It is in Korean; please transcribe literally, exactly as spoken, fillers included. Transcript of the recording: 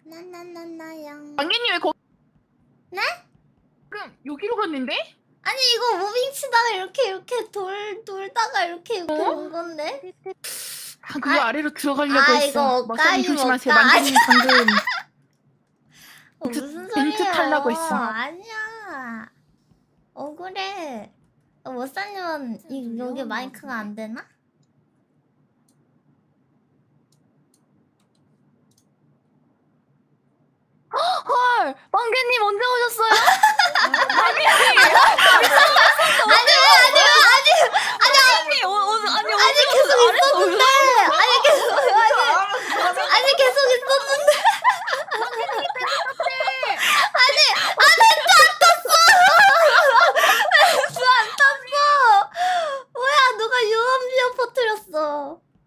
나나나나양. 망개님 왜 거? 네? 그럼 여기로 갔는데? 아니 이거 무빙 치다가 이렇게 이렇게 돌 돌다가 이렇게 이렇게 어? 온 건데? 아, 그거 아, 아래로 들어가려고 아, 했어. 이거 머사님 옷가임, 조심하세요. 옷가. 망개님 방금 어, 무슨 벤트 소리예요? 타려고 했어. 아니야. 억울해. 어, 머사님은 이 여기 마이크가 안 되나? 헐, 망개님 언제